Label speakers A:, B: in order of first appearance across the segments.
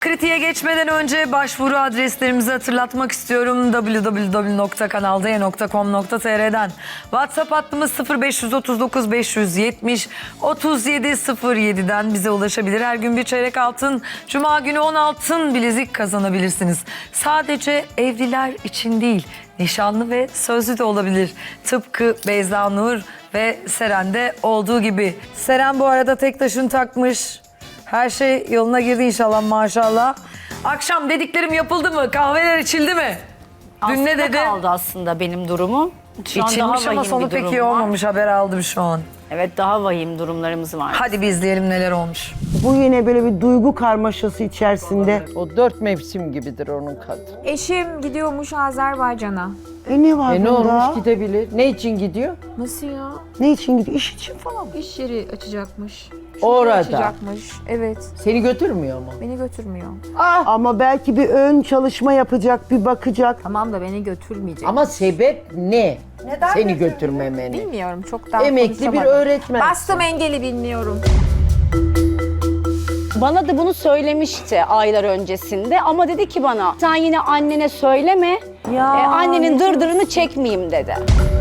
A: kritiğe geçmeden önce başvuru adreslerimizi hatırlatmak istiyorum. www.kanalde.com.tr'den WhatsApp hattımız 0539 570 3707'den bize ulaşabilir. Her gün bir çeyrek altın, Cuma günü 10 altın bilezik kazanabilirsiniz. Sadece evliler için değil, nişanlı ve sözlü de olabilir. Tıpkı Beyza Nur ve Seren'de olduğu gibi. Seren bu arada tek taşını takmış. Her şey yoluna girdi inşallah, maşallah. Akşam dediklerim yapıldı mı? Kahveler içildi mi? Dün ne dedi?
B: kaldı aslında benim durumum. Şu an daha
A: İçilmiş ama
B: vahim
A: sonu
B: bir
A: pek
B: durum
A: iyi
B: var.
A: olmamış, haber aldım şu an.
B: Evet, daha vahim durumlarımız var.
A: Hadi bir izleyelim neler olmuş.
C: Bu yine böyle bir duygu karmaşası içerisinde.
D: O 4 mevsim gibidir onun kadın.
E: Eşim gidiyormuş Azerbaycan'a.
C: Ne var
D: Ne
C: bunda?
D: olmuş gidebilir? Ne için gidiyor?
E: Nasıl ya?
C: Ne için gidiyor? İş için falan mı?
E: İş yeri açacakmış.
D: Orada.
E: Açacakmış. Evet.
D: Seni götürmüyor mu?
E: Beni götürmüyor.
C: Ama belki bir ön çalışma yapacak, bir bakacak.
E: Tamam da beni götürmeyecek.
D: Ama sebep ne? Seni götürmemeni.
E: Bilmiyorum, çok daha
D: Emekli bir
E: konuşamadım.
D: öğretmen.
E: Bastım engeli, bilmiyorum.
B: Bana da bunu söylemişti aylar öncesinde ama dedi ki bana sen yine annene söyleme, annenin dırdırını çekmeyeyim dedi.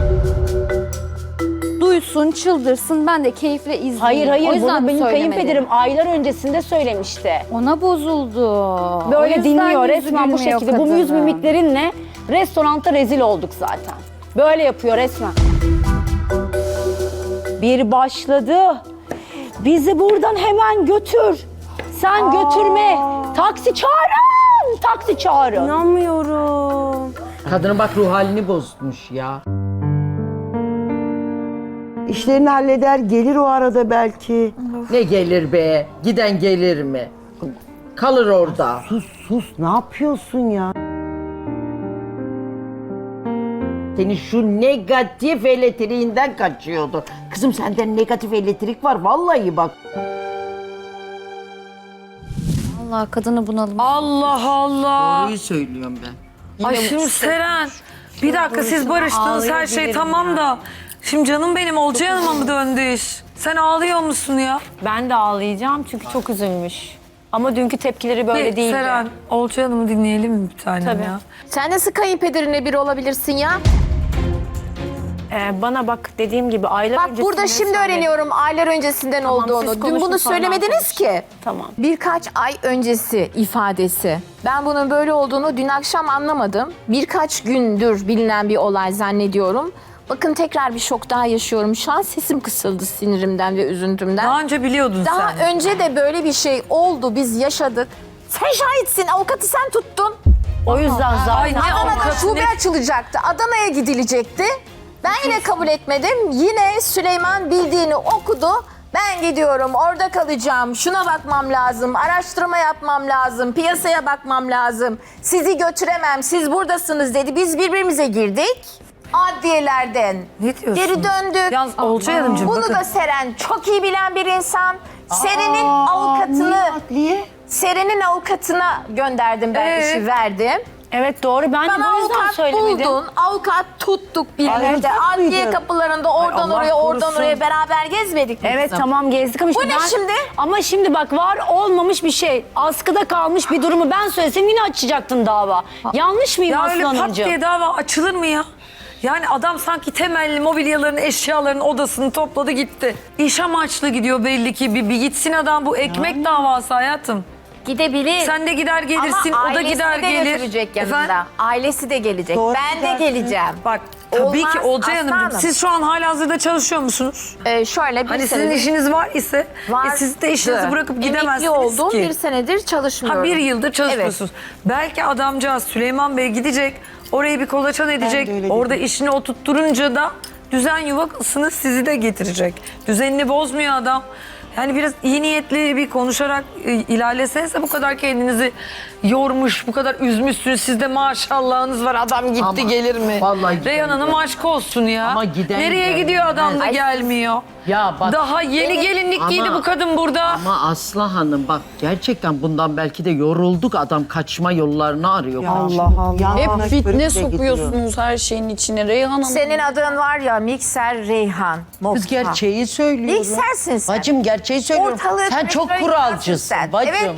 F: Duysun, çıldırsın, ben de keyifle izleyeyim.
B: Hayır
F: O
B: hayır,
F: yüzden
B: bunu benim
F: söylemedi.
B: kayınpederim aylar öncesinde söylemişti.
F: Ona bozuldu. O
B: Böyle
F: yüzden
B: dinliyor
F: yüzü
B: resmen bu
F: gülmüyor
B: şekilde. Bu yüz
F: kadının.
B: mimiklerinle restoranda rezil olduk zaten. Böyle yapıyor resmen. Bir başladı. Bizi buradan hemen götür. Sen götürme. Taksi çağırın. Taksi çağırın.
F: İnanmıyorum.
D: Kadının bak ruh halini bozmuş ya.
C: İşlerini halleder, gelir o arada belki.
D: Ne gelir be? Giden gelir mi? Kalır orada.
C: Sus, ne yapıyorsun ya?
D: Seni şu negatif elektriğinden kaçıyordu. Kızım sende negatif elektrik var vallahi bak.
F: Allah kadını bunalım.
A: Allah Allah.
D: Doğruyu söylüyorum ben.
A: Ay şimdi Seren, bir dakika siz barıştınız, her şey tamam da. Şimdi canım benim, Olcay Hanım'a mı döndü iş? Sen ağlıyor musun ya?
B: Ben de ağlayacağım çünkü çok üzülmüş. Ama dünkü tepkileri böyle değildi.
A: Seren, Olcay Hanım'ı dinleyelim mi bir tanem
B: Tabii.
A: ya?
E: Sen nasıl kayınpederine bir olabilirsin ya?
B: Bana bak dediğim gibi aylar
E: Bak
B: öncesinde
E: burada şimdi
B: söyledim.
E: öğreniyorum aylar öncesinden
B: Tamam, siz
E: olduğunu. Dün
B: konuşun,
E: bunu
B: sonra
E: söylemediniz
B: konuş.
E: ki.
B: Tamam.
E: Birkaç ay öncesi ifadesi. Ben bunun böyle olduğunu dün akşam anlamadım. Birkaç gündür bilinen bir olay zannediyorum. Bakın tekrar bir şok daha yaşıyorum. Şu an sesim kısıldı sinirimden ve üzüntümden.
A: Daha önce biliyordun
E: Daha
A: sen.
E: önce de böyle bir şey oldu. Biz yaşadık. Sen şahitsin. Avukatı sen tuttun.
B: O yüzden zaten.
A: Ay ne
E: Adana'da
A: avukatı,
E: şube
A: ne...
E: açılacaktı. Adana'ya gidilecekti. Ben yine kabul etmedim. Yine Süleyman bildiğini okudu. Ben gidiyorum, orada kalacağım. Şuna bakmam lazım, araştırma yapmam lazım, piyasaya bakmam lazım. Sizi götüremem, siz buradasınız dedi. Biz birbirimize girdik. Adliyelerden
A: Ne diyorsun?
E: geri döndük.
A: Yalnız Olcay Hanımcığım
E: Bunu
A: bakın.
E: da Seren çok iyi bilen bir insan. Seren'in avukatını,
C: Niye?
E: Seren'in avukatına gönderdim ben, işi verdim.
B: Evet doğru, ben de
E: Bana
B: bu yüzden
E: avukat
B: söylemedim.
E: buldun, avukat tuttuk birlikte.
C: tuttuk
E: Adliye
C: muydu?
E: kapılarında oradan
A: Allah
E: oraya, oradan
A: korusun.
E: oraya beraber gezmedik mi
B: Evet
E: kızım?
B: tamam gezdik ama
E: Bu ne şimdi?
B: Ama şimdi bak var olmamış bir şey. Askıda kalmış bir durumu ben söylesem yine açacaktın dava. Yanlış mıyım
A: Ya öyle
B: Aslı
A: pat
B: Hanımcığım?
A: diye dava açılır mı ya? Yani adam sanki temelli mobilyaların, eşyaların odasını topladı gitti. İş amaçlı gidiyor belli ki. Bir gitsin adam, bu ekmek davası hayatım.
E: Gidebilir.
A: Sen de gider gelirsin,
E: Ama
A: o da
E: ailesi
A: gider
E: de
A: gelir.
E: götürecek yanında.
A: Efendim?
E: Ailesi de gelecek.
C: Doğru
E: Ben de
C: gidersin.
E: geleceğim.
A: Bak tabii ki
E: Olmaz
A: Olcay
E: Aslı
A: Hanımcığım,
E: Hanım.
A: siz şu an halihazırda çalışıyor musunuz?
E: Şöyle bir
A: Hani sizin
E: senedir
A: işiniz var ise siz de işinizi bırakıp gidemezsiniz
E: Emekli oldum,
A: ki.
E: bir senedir çalışmıyorum.
A: Ha, bir yıldır çalışmıyorsunuz. Belki adamcağız Süleyman Bey gidecek, orayı bir kolaçan edecek.
C: de öyle
A: Orada işini oturtturunca da düzen yuvasını sizi de getirecek. Düzenini bozmuyor adam. Yani biraz iyi niyetli bir konuşarak ilerlesenize, bu kadar kendinizi yormuş, bu kadar üzmüşsünüz. Sizde maşallahınız var, adam gitti
D: Ama
A: gelir mi?
D: vallahi giden
A: Reyhan Hanım
D: gelmez.
A: aşk olsun ya.
D: Ama giden
A: nereye
D: gelmez.
A: gidiyor adam da
D: Ay,
A: gelmiyor.
D: Ya bak.
A: Daha yeni gelinlik
D: Ama-
A: giydi bu kadın burada.
D: Ama Aslı Hanım bak gerçekten bundan belki de yorulduk. Adam kaçma yollarını arıyor.
C: Allah.
G: Hep fitne sokuyorsunuz her şeyin içine Reyhan Hanım.
E: Senin adın var ya, Mikser Reyhan.
D: Kız gerçeği söylüyorum.
E: Miksersin sen.
D: Bacım gerçeği söylüyorum.
E: Ortalığı
D: sen çok
E: petrol
D: kuralcısın
E: sen.
D: bacım.
E: Evet, ben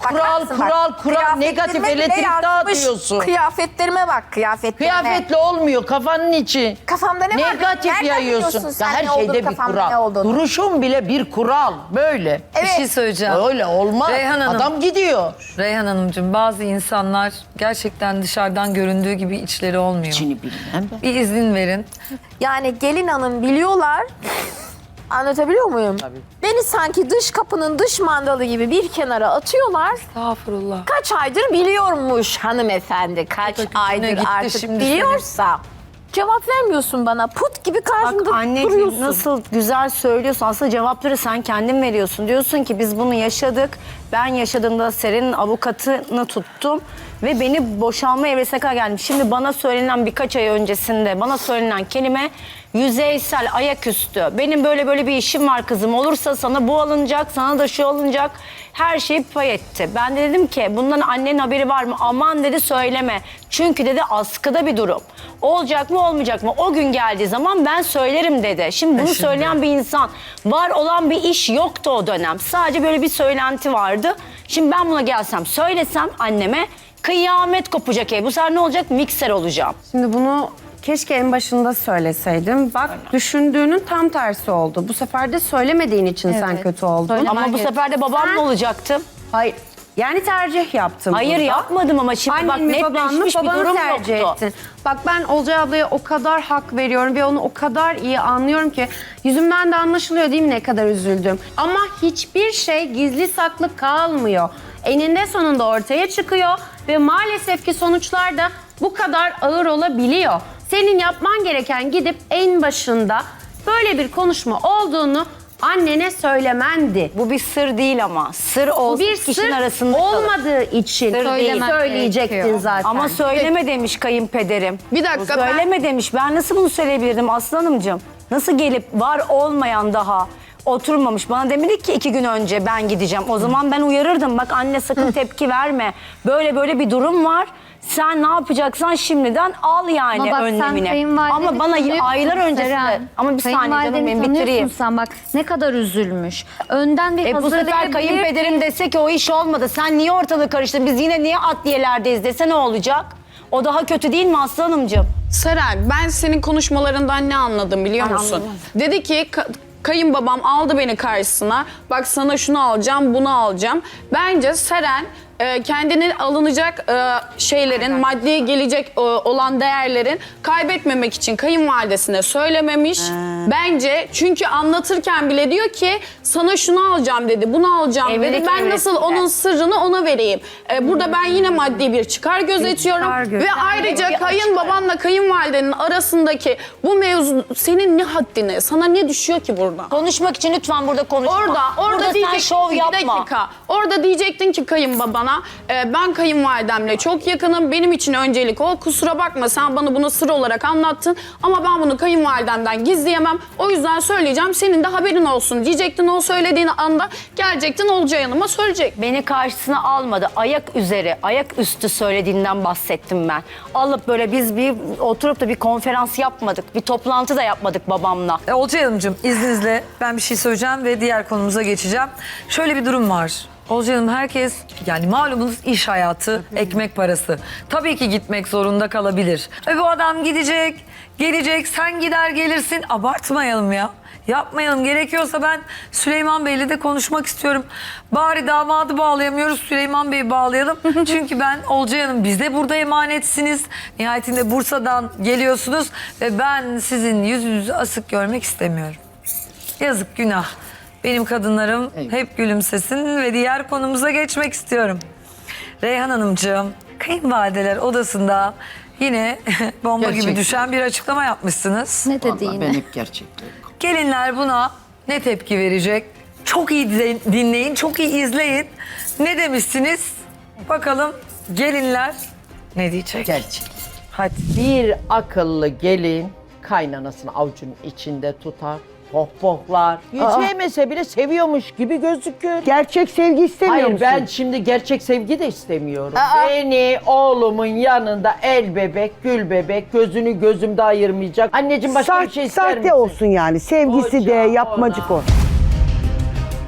E: Bakarsın bak.
D: Kural, negatif
E: Kıyafetlerime bile
D: elektrik
E: yazmış.
D: dağıtıyorsun.
E: Kıyafetlerime bak, kıyafetlerime.
D: Kıyafetle olmuyor kafanın içi.
E: Kafamda ne var?
D: Negatif
E: Nereden
D: yayıyorsun.
E: biliyorsun sen
D: Ya her
E: ne olduğunu,
D: şeyde bir
E: kafamda ne
D: kural.
E: olduğunu?
D: Duruşun bile bir kural. Böyle.
E: Evet.
A: Bir şey söyleyeceğim.
D: Öyle olmaz.
A: Reyhan Hanım.
D: Adam gidiyor.
A: Reyhan Hanımcığım, bazı insanlar gerçekten dışarıdan göründüğü gibi içleri olmuyor.
D: İçini bilmem ben.
A: Bir izin verin.
E: Yani gelin hanım biliyorlar. Anlatabiliyor muyum?
D: Tabii.
E: Beni sanki dış kapının dış mandalı gibi bir kenara atıyorlar.
A: Estağfurullah.
E: Kaç aydır biliyormuş hanımefendi. Kaç
A: Gitti
E: aydır artık
A: şimdi
E: biliyorsa. Cevap vermiyorsun bana. Put gibi karşımda
B: Bak anneciğim
E: duruyorsun.
B: nasıl güzel söylüyorsun. Aslında cevapları sen kendin veriyorsun. Diyorsun ki biz bunu yaşadık. Ben yaşadığımda Seren'in avukatını tuttum. Ve beni boşanma evresine kadar geldim. Şimdi bana söylenen birkaç ay öncesinde bana söylenen kelime yüzeysel, ayaküstü. Benim böyle bir işim var kızım. Olursa sana bu alınacak, sana da şu alınacak. Her şeyi pay etti. Ben de dedim ki bundan annenin haberi var mı? Aman dedi söyleme. Çünkü dedi askıda bir durum. Olacak mı olmayacak mı? O gün geldiği zaman ben söylerim dedi. Şimdi bunu söyleyen bir insan. Var olan bir iş yoktu o dönem. Sadece böyle bir söylenti vardı. Şimdi ben buna gelsem söylesem anneme kıyamet kopacak. Bu sefer ne olacak? Mikser olacağım.
H: Şimdi bunu keşke en başında söyleseydim. Bak düşündüğünün tam tersi oldu. Bu sefer de söylemediğin için sen kötü oldun.
B: Ama bu sefer de babam mı olacaktım?
H: Hayır. Yani tercih yaptım.
B: Hayır
H: burada.
B: yapmadım ama şimdi bak
H: Annen mi baban mı
B: netleşmiş bir
H: babanı
B: durum
H: tercih
B: yoktu.
H: ettin. Bak ben Olcay ablaya o kadar hak veriyorum ve onu o kadar iyi anlıyorum ki yüzümden de anlaşılıyor değil mi ne kadar üzüldüm. Ama hiçbir şey gizli saklı kalmıyor. Eninde sonunda ortaya çıkıyor ve maalesef ki sonuçlar da bu kadar ağır olabiliyor. Senin yapman gereken gidip en başında böyle bir konuşma olduğunu annene söylemendi.
B: Bu bir sır değil ama. Sır olsa
H: Bir
B: kişinin
H: sır
B: arasında kalır.
H: olmadığı için
B: Sır değil.
H: söyleyecektin
F: gerekiyor.
H: zaten.
B: Ama söyleme demiş kayınpederim.
G: Bir dakika, ben-
B: Söyleme demiş. Ben nasıl bunu söyleyebilirdim aslanımcığım? Nasıl gelip var olmayan daha oturmamış. Bana demedi ki 2 gün önce ben gideceğim. O zaman ben uyarırdım. Bak anne sakın tepki verme. Böyle bir durum var. Sen ne yapacaksan şimdiden al yani
F: Ama bak sen
B: önlemini.
F: kayınvalideni
B: Ama bana
F: tanıyorsun
B: aylar öncesinde.
F: Seren.
B: Ama bir saniye canım
F: Kayınvalideni
B: benim
F: tanıyorsun
B: bitireyim.
F: sen bak ne kadar üzülmüş. Önden bir
B: Bu sefer
F: hazırlayabilir.
B: kayınpederim dese ki o iş olmadı. Sen niye ortalığı karıştırdın? Biz yine niye adliyelerdeyiz dese ne olacak? O daha kötü değil mi Aslı Hanımcığım?
G: Seray, ben senin konuşmalarından ne anladım biliyor musun? Dedi ki kayınbabam aldı beni karşısına. Bak sana şunu alacağım, bunu alacağım. Bence Seren kendine alınacak şeylerin, maddi gelecek olan değerlerin kaybetmemek için kayınvalidesine söylememiş. Bence çünkü anlatırken bile diyor ki sana şunu alacağım dedi, bunu alacağım
B: Evlilik
G: dedi. Ben nasıl
B: evresinde.
G: onun sırrını ona vereyim. Burada ben yine maddi bir çıkar gözetiyorum. Ve ayrıca kayınbabanla kayınvalidenin arasındaki bu mevzu senin ne haddine, sana ne düşüyor ki burada?
B: Konuşmak için lütfen burada konuşma.
G: Orada
B: burada sen
G: diyecektin
B: şov
G: ki,
B: yapma.
G: bir dakika. Orada diyecektin ki kayınbabana ben kayınvalidemle çok yakınım. Benim için öncelik o. Kusura bakma sen bana bunu sır olarak anlattın. Ama ben bunu kayınvalidemden gizleyemem. O yüzden söyleyeceğim. Senin de haberin olsun diyecektin. O söylediğin anda gelecektin Olcay Hanım'a söyleyecek.
B: Beni karşısına almadı. Ayak üzeri, ayak üstü söylediğinden bahsettim ben. Alıp böyle biz bir oturup da bir konferans yapmadık. Bir toplantı da yapmadık babamla.
A: Olcay Hanımcığım izninizle ben bir şey söyleyeceğim ve diğer konumuza geçeceğim. Şöyle bir durum var. Olcay Hanım herkes yani malumunuz iş hayatı, ekmek parası. Tabii ki gitmek zorunda kalabilir. Ve bu adam gidecek, gelecek, sen gider gelirsin. Abartmayalım ya. Yapmayalım. Gerekiyorsa ben Süleyman Bey'le de konuşmak istiyorum. Bari damadı bağlayamıyoruz, Süleyman Bey'i bağlayalım. Çünkü ben Olcay Hanım biz de burada emanetsiniz. Nihayetinde Bursa'dan geliyorsunuz ve ben sizin yüzünüzü asık görmek istemiyorum. Yazık, günah. Benim kadınlarım hep gülümsesin ve diğer konumuza geçmek istiyorum. Reyhan Hanımcığım, kayınvalideler odasında yine bomba gibi
D: Gerçekten.
A: düşen bir açıklama yapmışsınız.
F: Ne dedi
D: Vallahi
F: yine?
D: ben hep gerçekleri.
A: Gelinler buna ne tepki verecek? Çok iyi dinleyin, çok iyi izleyin. Ne demişsiniz? Bakalım gelinler ne diyecek?
D: Gerçek.
A: Hadi.
D: Bir akıllı gelin kaynanasını avucunun içinde tutar, pohpohlar. Sevmese bile seviyormuş gibi gözükür.
C: Gerçek sevgi istemiyor
D: Hayır
C: musun?
D: ben şimdi gerçek sevgi de istemiyorum. Beni oğlumun yanında el bebek, gül bebek, gözünü gözümde ayırmayacak. Anneciğim başka bir şey ister misin?
C: Sahte olsun yani. Sevgisi de
D: Koca
C: yapmacık
D: ona.
C: o.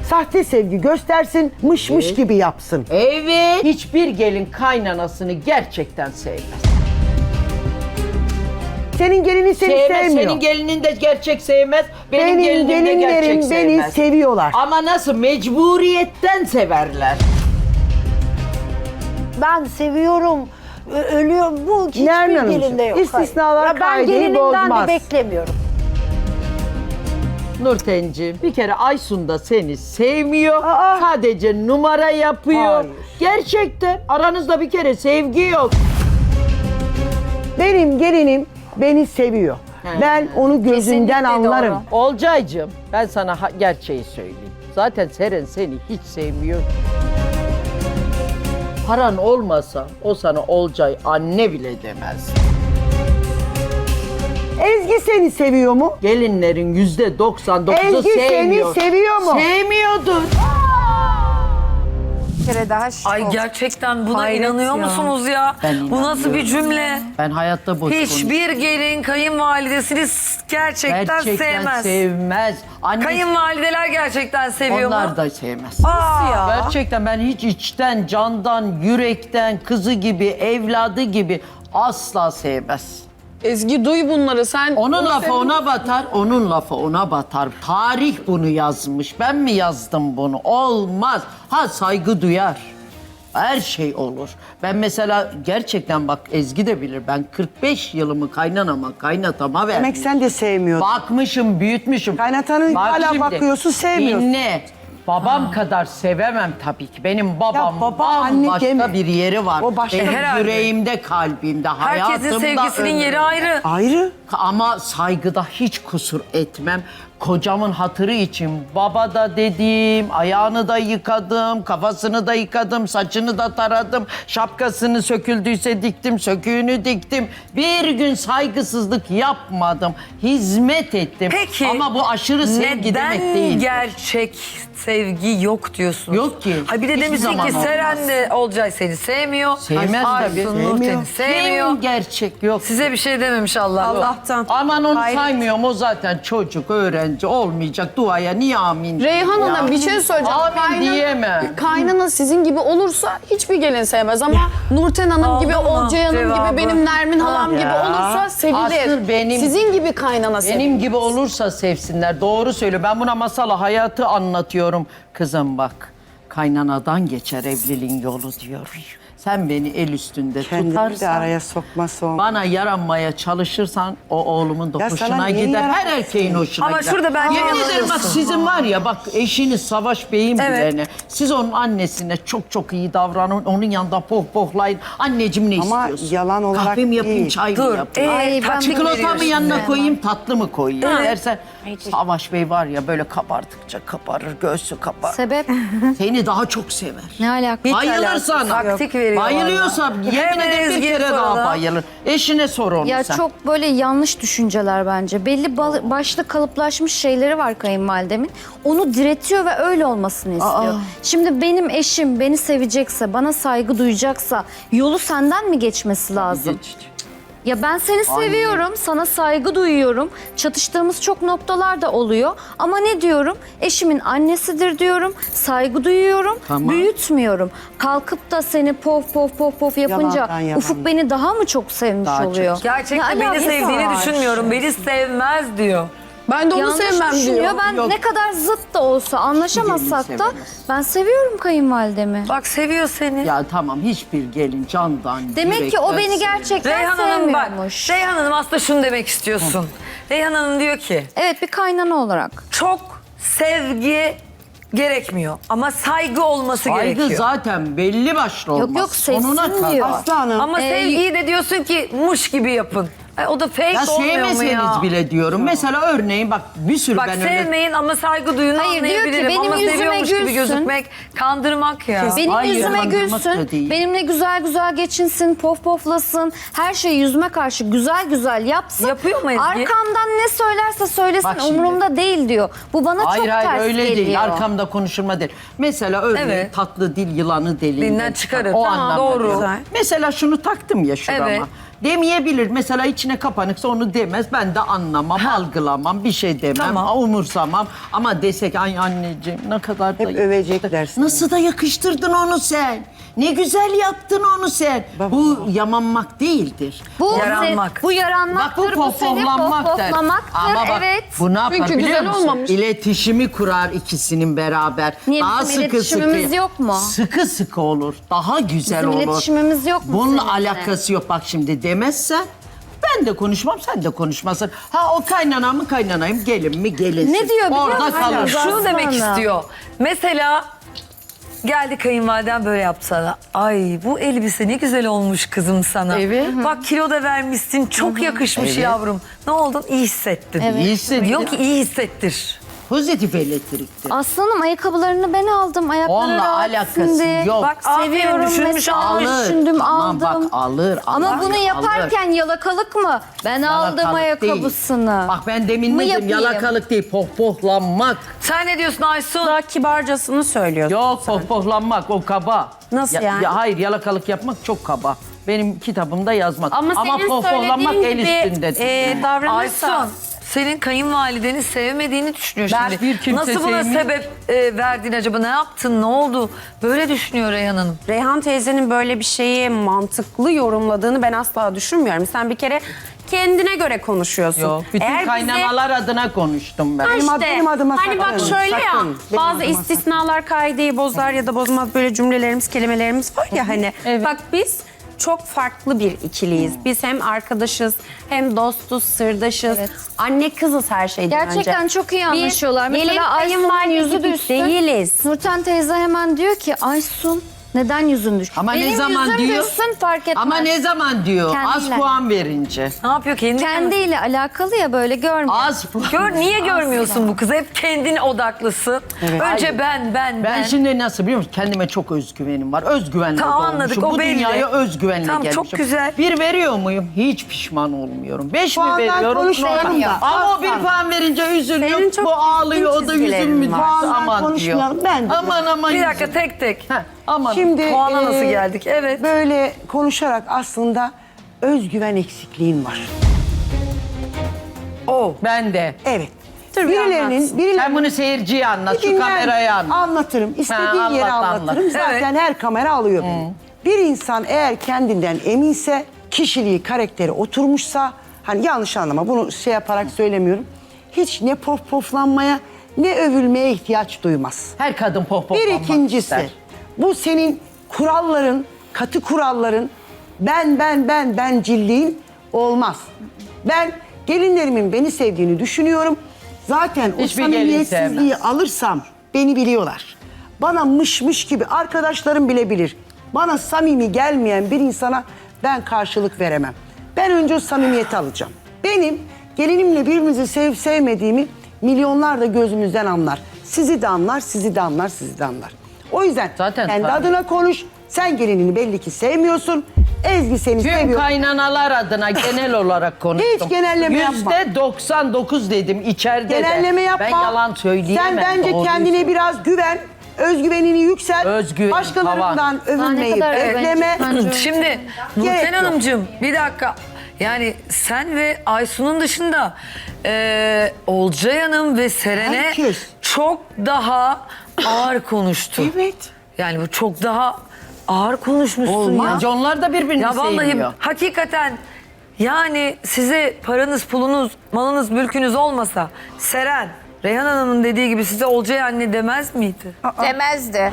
C: Sahte sevgi göstersin, mış gibi yapsın.
D: Evet. Hiçbir gelin kaynanasını gerçekten sevmez.
C: Senin gelinin seni sevmiyor.
D: Senin gelinin de gerçek sevmez. Benim gelinim de gerçek
C: gelinlerim beni
D: sevmez.
C: seviyorlar.
D: Ama nasıl? Mecburiyetten severler.
I: Ben seviyorum, ölüyorum. Bu hiçbir
C: Nermin Hanımcığım,
I: gelinde yok.
C: istisnalar
I: Hayır. Ya ben
C: kaideyi
I: gelinimden
C: bozmaz.
I: de beklemiyorum.
D: Nurtenciğim, bir kere Aysun da seni sevmiyor.
C: Aa.
D: Sadece numara yapıyor.
C: Hayır.
D: Gerçekten aranızda bir kere sevgi yok.
C: Benim gelinim beni seviyor. Ben onu gözünden
E: Kesinlikle
C: anlarım.
E: doğru.
D: Olcaycığım, ben sana gerçeği söyleyeyim. Zaten Seren seni hiç sevmiyor. Paran olmasa o sana Olcay anne bile demez.
C: Ezgi seni seviyor mu?
D: Gelinlerin %99'u
C: Ezgi seni
D: sevmiyor.
C: seviyor mu?
D: Sevmiyordur.
E: Bir kere daha şok.
A: Ay gerçekten buna
B: Hayret
A: inanıyor
B: ya.
A: musunuz ya?
D: Ben
A: Bu nasıl bir cümle?
D: Ben hayatta boş
A: Hiçbir gelin kayınvalidesini gerçekten sevmez.
D: sevmez. Anne,
A: Kayınvalideler gerçekten seviyor mu?
D: onlar da sevmez.
A: Aa,
D: Gerçekten ben hiç içten, candan, yürekten, kızı gibi, evladı gibi asla sevmez.
G: Ezgi duy bunları sen.
D: Onun
G: onu
D: lafı
G: sev-
D: ona batar, onun lafı ona batar. Tarih bunu yazmış. Ben mi yazdım bunu? Olmaz. Ha saygı duyar. Her şey olur. Ben mesela gerçekten bak Ezgi de bilir. Ben 45 yılımı kaynatama verdim.
C: Demek sen de sevmiyordun.
D: Bakmışım, büyütmüşüm.
C: Kaynatanın
D: Bak
C: hala
D: şimdi,
C: bakıyorsun, sevmiyorsun.
D: Dinle. Babam kadar sevemem tabii ki. Benim babam
C: Ya baba, anne
D: bambaşka
C: deme.
D: bir yeri var.
C: O başka
D: Benim
A: bir- herhalde.
D: yüreğimde, kalbimde,
A: herkesin
D: hayatımda,
A: sevgisinin yeri
D: ömrümde.
A: ayrı.
C: Ayrı.
D: Ama saygıda hiç kusur etmem. Kocamın hatırı için baba da dedim, ayağını da yıkadım, kafasını da yıkadım, saçını da taradım, şapkasını söküldüyse diktim, söküğünü diktim. Bir gün saygısızlık yapmadım, hizmet ettim.
A: Peki
D: Ama bu aşırı sevgi demek
A: neden
D: değil.
A: gerçek sevgi yok diyorsunuz?
D: Yok ki.
A: Ha bir de
D: Hiçbir
A: demişsin
D: zaman
A: ki
D: olmaz.
A: Seren de Olcay seni sevmiyor.
D: Sevmez
A: Aysun
D: tabii.
A: Nur seni sevmiyor.
D: Kim gerçek yok.
A: Size bir şey dememiş Allah.
B: Allah'tan.
D: Aman onu saymıyorum, o zaten çocuk, öğrenci olmayacak. Duaya niye amin?
G: Reyhan
D: Ya.
G: Hanım bir şey söyleyeceğim.
D: Amin diyemem.
G: Kaynana sizin gibi olursa hiçbir gelin sevmez ama Nurten Hanım gibi,
A: Aldın mı
G: Olcay Hanım
A: cevabı?
G: gibi, benim Nermin halam gibi
C: Ya.
G: olursa sevilir.
D: Asıl benim-
G: Sizin gibi kaynana sevilir.
D: Benim gibi olursa sevsinler. Doğru söylüyor. Ben buna masala hayatı anlatıyorum. Kızım bak, kaynanadan geçer evliliğin yolu diyor. Sen beni el üstünde
C: Kendini de
D: tutarsan,
C: araya sokma son.
D: bana yaranmaya çalışırsan o oğlumun da
C: Ya sana
D: hoşuna
C: niye
D: gider. Her
C: yaramazsın?
D: erkeğin hoşuna
A: Ama
D: gider.
A: şurada bence
D: Yemin ederim bak
A: yanılıyorsun.
D: sizin var ya bak eşiniz Savaş Bey'in
A: Evet.
D: bilene. Siz onun annesine çok çok iyi davranın. Onun yanında pohpohlayın. Anneciğim ne
C: Ama
D: istiyorsun?
C: yalan olarak
D: Kahve mi yapayım,
C: değil.
D: çay mı
A: Dur.
D: yapayım?
F: Ay, ben
D: Çikolata mı
A: veriyorsun
D: yanına
A: ya.
D: koyayım, tatlı mı koyayım? Dersen Savaş Bey var ya böyle kabardıkça kabarır, göğsü kabarır.
F: Sebep
D: Seni daha çok sever.
F: ne alaka?
D: Bayılır sana.
A: Taktik veriyor
D: Bayılıyorsa
A: vallahi.
D: yemin
A: Hemen
D: ederim bir
A: Ezgi'ye
D: kere daha
A: soralım.
D: bayılır. Eşine sor onu
F: Ya
D: sen.
F: çok böyle yanlış düşünceler bence. Belli başlı kalıplaşmış şeyleri var kayınvalidemin. Onu diretiyor ve öyle olmasını istiyor. Şimdi benim eşim beni sevecekse, bana saygı duyacaksa yolu senden mi geçmesi lazım? Ya ben seni seviyorum, sana saygı duyuyorum. Çatıştığımız çok noktalar da oluyor. Ama ne diyorum? Eşimin annesidir diyorum. Saygı duyuyorum,
D: Tamam.
F: büyütmüyorum. Kalkıp da seni pof pof pof pof yapınca
C: Yalandan yalan.
F: Ufuk beni daha mı çok sevmiş
D: Daha çok.
F: oluyor?
A: Gerçekten
F: Ne
A: beni
F: alakası
A: sevdiğini
F: var?
A: düşünmüyorum. Beni sevmez diyor.
G: Ben de onu
F: Yanlış
G: sevmem
F: düşünüyor.
G: diyor.
F: Ben
D: Yok.
F: ne kadar zıt da olsa anlaşamasak da
D: sevemez.
F: ben seviyorum kayınvalidemi.
A: Bak seviyor seni.
D: Ya tamam hiçbir gelin candan
F: Demek ki o
D: yürekten
F: beni
D: sever.
F: gerçekten
A: Reyhan Hanım bak.
F: sevmiyormuş.
A: Reyhan Hanım aslında şunu demek istiyorsun. Reyhan Hanım diyor ki
F: Evet, bir kaynana olarak.
A: çok sevgi gerekmiyor ama saygı olması
D: Saygı
A: gerekiyor.
D: zaten belli başlı olmaz.
F: Yok,
D: Sonuna
F: sevsin
D: kadar.
F: diyor.
C: Aslanım.
A: Ama sevgiyi de diyorsun ki muş gibi yapın. O da fake
D: Ya
A: olmuyor mu
D: sevmeseniz
A: ya?
D: bile diyorum. Mesela örneğin bak bir sürü
A: Bak
D: ben öyle...
A: sevmeyin ama saygı duyun
F: Hayır, diyor ki,
A: anlayabilirim.
F: benim
A: ama
F: yüzüme
A: seviyormuş gibi
F: gülsün.
A: gözükmek kandırmak ya.
F: Benim
D: Hayır,
F: yüzüme
D: kandırmak da
F: gülsün,
D: değil.
F: benimle güzel güzel geçinsin, pof poflasın, her şeyi yüzüme karşı güzel güzel yapsın.
A: Yapıyor mu Ezgi?
F: Arkamdan ne söylerse söylesin
D: Bak şimdi.
F: umurumda değil diyor. Bu bana
D: Hayır
F: çok
D: hayır
F: ters
D: öyle
F: geliyor.
D: değil. Arkamda konuşulma değil. Mesela örneğin
A: Evet.
D: tatlı dil yılanı deliğinden
A: Dilinden çıkarır.
D: O
A: Tamam,
D: anlamda
A: doğru.
D: diyorum.
A: Güzel.
D: Mesela şunu taktım ya şurama.
A: Evet.
D: Demeyebilir. Mesela içine kapanıksa onu demez. Ben de anlamam, algılamam, bir şey demem,
A: Tamam.
D: umursamam. Ama desek ay anneciğim ne kadar da
C: Hep övecekler seni.
D: Nasıl da yakıştırdın onu sen. Ne güzel yaptın onu sen. Bu yamanmak değildir.
F: Bu
A: Yaranmak.
F: Bu yaranmaktır.
D: Bak bu
F: seni
D: pohpohlamaktır.
F: pohpohlamaktır.
D: Ama bak
F: Evet.
D: bu ne yapar
G: Çünkü
D: biliyor
G: güzel
D: musun?
G: olmamış.
D: İletişimi kurar ikisinin beraber.
F: Niye,
D: Daha
F: bizim
D: sıkı
F: iletişimimiz
D: sıkı.
F: yok mu?
D: Sıkı sıkı olur. Daha güzel
F: Bizim
D: olur.
F: iletişimimiz yok mu
D: Bununla
F: seninle?
D: alakası yok. Bak şimdi demezsen ben de konuşmam, sen de konuşmasın. Ha o kaynana mı kaynanayım, gelin mi gelinsin.
F: Ne diyor biliyor
D: Orada
F: musun?
D: kalır.
A: Şunu demek
F: Aslanım.
A: istiyor. Mesela geldi kayınvaliden böyle yaptı sana. Ay bu elbise ne güzel olmuş kızım sana.
D: Evet.
A: Bak kilo da vermişsin. Çok yakışmış
D: Evet.
A: yavrum. Ne oldun? İyi hissettin.
D: İyi hissettin.
A: Diyor ki iyi hissettir.
D: Pozitif elektriktir.
F: Aslanım ayakkabılarını ben aldım. Ayakları
D: Onunla
F: rahat
D: alakası
F: şimdi.
D: yok.
A: Bak aferin
F: Seviyorum
A: düşünmüş
F: mesela.
A: almış.
F: Düşündüm
D: Aman
F: aldım.
D: bak alır.
F: Ama
D: alır,
F: bunu
D: alır.
F: yaparken yalakalık mı? Ben aldım
D: Yalakalık
F: ayakkabısını.
D: değil. Bak ben demin
F: Mı
D: ne dedim?
F: yapayım?
D: Yalakalık değil, pohpohlanmak.
A: Sen ne diyorsun Aysun?
H: Daha kibarcasını söylüyorsun.
D: Yok pohpohlanmak o kaba.
H: Nasıl yani?
D: Hayır yalakalık yapmak çok kaba. Benim kitabımda yazmak.
H: Ama senin
D: pohpohlanmak
H: söylediğin
D: el
H: gibi
D: üstündedir.
H: davranırsa...
A: Aysun senin kayınvalideni sevmediğini düşünüyor şimdi.
D: bir kimse
A: Nasıl buna
D: sevmiyor.
A: sebep verdin acaba? Ne yaptın? Ne oldu? Böyle düşünüyor Reyhan Hanım.
H: Reyhan teyzenin böyle bir şeyi mantıklı yorumladığını ben asla düşünmüyorum. Sen bir kere kendine göre konuşuyorsun.
D: Yok, bütün
H: Eğer bize-
D: kaynanalar adına konuştum ben.
H: Ha işte,
C: benim adıma
H: hani bak
C: sakın,
H: şöyle ya,
C: sakın. Benim
H: bazı
C: adıma
H: istisnalar kaideyi bozar ya da bozmaz böyle cümlelerimiz, kelimelerimiz var ya hani. Bak biz çok farklı bir ikiliyiz. Biz hem arkadaşız, hem dostuz, sırdaşız.
F: Evet.
H: Anne kızız her şeyden önce.
F: Gerçekten çok iyi anlaşıyorlar.
H: Gelin
F: Mesela Aysun'un
H: kayınvalide
F: yüzü
H: gibi
F: düşsün.
H: değiliz.
F: Nurten teyze hemen diyor ki Aysun neden yüzün düştü?
D: Ama
F: Benim
D: ne zaman
F: yüzüm
D: diyor?
F: düşsün fark etmez.
D: Ama ne zaman diyor?
F: Kendiyle.
D: Az puan verince.
A: Ne yapıyor?
F: Kendiyle alakalı ya böyle görmüyor.
D: Az puan.
A: Niye görmüyorsun bu kızı? Hep kendin odaklısın. Önce ben.
D: Ben şimdi nasıl biliyor musun? Kendime çok özgüvenim var. Özgüvenle
A: Tamam,
D: doğmuşum.
A: anladık, o
D: Bu
A: belli.
D: dünyaya özgüvenle
A: Tamam,
D: gelmişim.
A: çok güzel.
D: 1 veriyor muyum? Hiç pişman olmuyorum. 5 mi
C: Puandan
D: veriyorum?
C: konuşmayalım
D: Normal.
C: da.
D: Ama o 1 puan verince üzülüyor.
H: Senin çok
D: Bu ağlıyor, o da
H: düzgün
D: yüzüm mü?
H: çizgilerin var.
C: Puandan
D: Aman diyor.
C: konuşmayalım, ben de
D: Aman
A: Bir dakika
D: yüzüm.
A: tek tek.
D: Heh, aman.
C: Şimdi
A: Puana nasıl geldik? Evet.
C: Böyle konuşarak aslında özgüven eksikliğin var.
D: Ben de.
C: Evet.
H: Dur bir
C: Birilerinin
D: Sen bunu seyirciye anlat, şu
C: dinler-
D: kameraya anlat.
C: Anlatırım. İstediğin
D: Ha,
C: yere
D: anlat,
C: anlatırım.
D: anlat.
C: Zaten her kamera alıyor beni. Bir insan eğer kendinden eminse, kişiliği, karakteri oturmuşsa, hani yanlış anlama bunu şey yaparak söylemiyorum. Hiç ne poflanmaya ne övülmeye ihtiyaç duymaz.
D: Her kadın
C: Bir
D: pohpohlanmak
C: ikincisi,
D: ister.
C: bu senin kuralların, katı kuralların, bencilliğin olmaz. Ben gelinlerimin beni sevdiğini düşünüyorum. Zaten o
D: Hiçbir gelin
C: samimiyetsizliği alırsam beni biliyorlar. Bana mışmış gibi arkadaşlarım bile bilir. Bana samimi gelmeyen bir insana ben karşılık veremem. Ben önce o samimiyeti alacağım. Benim gelinimle birbirimizi sevip sevmediğimi milyonlar da gözümüzden anlar. Sizi de anlar, sizi de anlar, sizi de anlar. O yüzden
D: Zaten
C: kendi
D: tabii.
C: adına konuş. Sen gelinini belli ki sevmiyorsun. Ezgi seni
D: Tüm
C: seviyor.
D: kaynanalar adına genel olarak konuştum.
C: Hiç genelleme yapma.
D: %99 dedim içeride
C: Genelleme
D: de.
C: yapma.
D: Ben yalan söyleyemem.
C: Sen bence
D: doğruyu
C: kendine
D: söylüyorum.
C: biraz güven. Özgüvenini yükselt.
D: Özgüven,
C: Başkalarından övülmeyi
F: kadar
C: bekleme.
A: Şimdi Nurten
C: Gerek yok.
A: Hanımcığım bir dakika. Yani sen ve Aysun'un dışında Olcay Hanım ve Seren'e
C: Herkes.
A: çok daha ağır konuştu.
C: Evet.
A: Yani bu çok daha ağır konuşmuşsun ya.
D: Bence onlar da birbirini
A: Ya vallahi
D: sevmiyor.
A: hakikaten yani size paranız, pulunuz, malınız, mülkünüz olmasa Seren, Reyhan Hanım'ın dediği gibi size Olcay anne demez miydi?
E: Demezdi.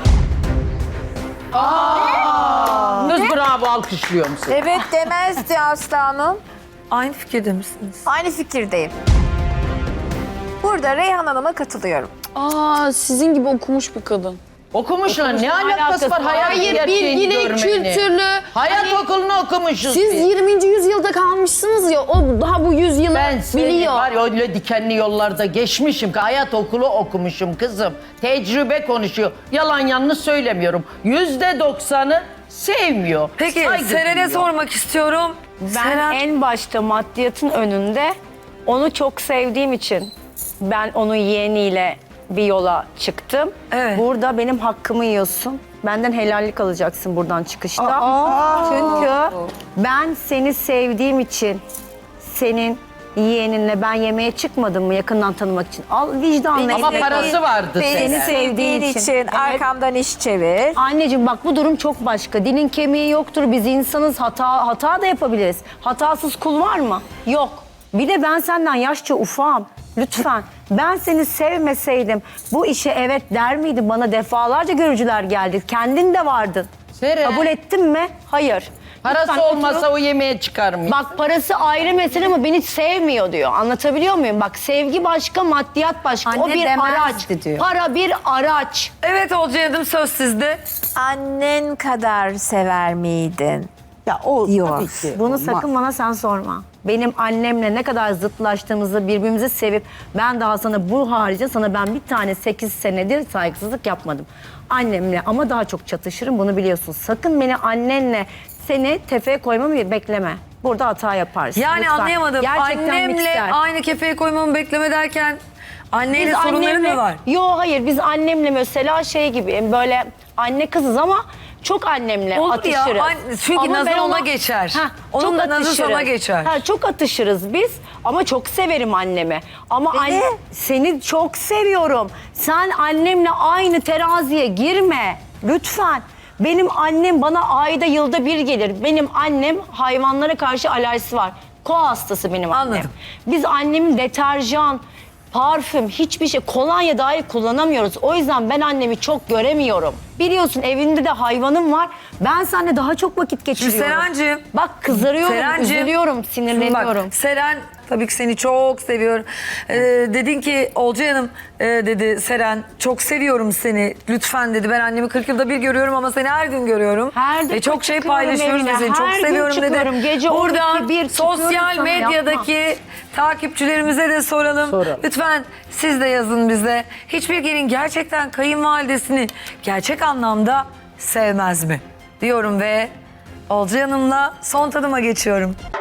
D: Kız bravo alkışlıyorum seni.
E: Evet demezdi aslanım.
A: Aynı fikirde misiniz?
E: Aynı fikirdeyim. Burada Reyhan Hanım'a katılıyorum.
G: Aa, sizin gibi okumuş bir kadın.
D: Okumuşlar ne alakası var hayat
G: Hayır,
D: gerçeğini
G: bilgili,
D: görmenin?
G: kültürlü.
D: Hayat
G: Hani
D: okulunu okumuşuz
G: Siz
D: biz.
G: 20. yüzyılda kalmışsınız ya, o daha bu yüzyılı
D: Ben seni
G: biliyor.
D: var ya öyle dikenli yollarda geçmişim ki hayat okulu okumuşum kızım. Tecrübe konuşuyor. Yalan yanlış söylemiyorum. %90'ı sevmiyor.
A: Peki
D: saygı
A: Seren'e
D: duyuyor.
A: sormak istiyorum.
B: Ben
A: Seren,
B: en başta maddiyatın önünde onu çok sevdiğim için ben onun yeğeniyle bir yola çıktım.
A: Evet.
B: Burada benim hakkımı yiyorsun. Benden helallik alacaksın buradan çıkışta. Çünkü ben seni sevdiğim için senin yeğeninle ben yemeğe çıkmadım mı yakından tanımak için? Al vicdanla.
D: Ama parası vardı
E: Beni
D: senin.
E: sevdiğin için
B: Evet.
E: arkamdan iş çevir.
B: Anneciğim bak bu durum çok başka. Dilin kemiği yoktur. Biz insanız. Hata da yapabiliriz. Hatasız kul var mı? Yok. Bir de ben senden yaşça ufağım. Lütfen. Ben seni sevmeseydim bu işe evet der miydin? Bana defalarca görücüler geldi. Kendin de vardın.
D: Seren.
B: Kabul ettin mi? Hayır.
D: Parası
B: Lütfen
D: olmasa
B: oturup-
D: o yemeğe çıkar mı?
B: Bak parası ayrı mesele ama beni sevmiyor diyor. Anlatabiliyor muyum? Bak sevgi başka, maddiyat başka. O
I: Anne
B: bir
I: demezdi
B: araç.
I: diyor.
B: Para bir araç.
A: Evet Olcay Hanım, söz sizde.
E: Annen kadar sever miydin?
C: Ya o
E: Yok.
C: tabii ki
B: Bunu
C: olmaz.
B: sakın bana sen sorma. Benim annemle ne kadar zıtlaştığımızı, birbirimizi sevip ben daha sana bu harici sana ben bir tane 8 senedir saygısızlık yapmadım. Annemle ama daha çok çatışırım, bunu biliyorsun. Sakın beni annenle seni tefeye koymamı bekleme. Burada hata yaparsın.
A: Yani
B: Lütfen.
A: anlayamadım.
B: Gerçekten
A: Annemle
B: mikser.
A: aynı kefeye koymamı bekleme derken anneyle
B: Biz
A: sorunların mı var?
B: Yo hayır biz annemle mesela şey gibi böyle anne kızız ama çok annemle
A: Olur ya,
B: atışırız.
A: çünkü
B: Ama
A: nazı
B: ben
A: ona geçer. Onun
B: çok
A: da nazı
B: atışırız.
A: sana geçer.
B: Çok atışırız biz ama çok severim annemi. Ama anne, seni çok seviyorum. Sen annemle aynı teraziye girme lütfen. Benim annem bana ayda yılda bir gelir. Benim annem hayvanlara karşı alerjisi var. Koa hastası benim annem.
A: Anladım.
B: Biz annemin deterjan, parfüm, hiçbir şey, kolonya dahi kullanamıyoruz. O yüzden ben annemi çok göremiyorum. Biliyorsun evinde de hayvanım var. Ben seninle daha çok vakit geçiriyorum.
A: Serencim.
B: Bak kızarıyorum,
A: Serencim,
B: üzülüyorum,
A: Şimdi
B: sinirleniyorum.
A: bak, Seren tabii ki seni çok seviyor. Dedin ki Olcay Hanım dedi Seren çok seviyorum seni. Lütfen dedi, ben annemi 40 yılda bir görüyorum ama seni her gün görüyorum.
B: Her
A: Ve çok şey
B: çıkıyorum
A: paylaşıyoruz
B: evine,
A: ve seni çok
B: her gün
A: seviyorum dedi.
B: çıkıyorum. Gece 12,
A: Buradan
B: 1 çıkıyorum
A: sosyal
B: sana,
A: medyadaki takipçilerimize de soralım. Lütfen siz de yazın bize. Hiçbir gelin gerçekten kayınvalidesini gerçek anlamda sevmez mi? Diyorum ve Olcay Hanım'la son tadıma geçiyorum.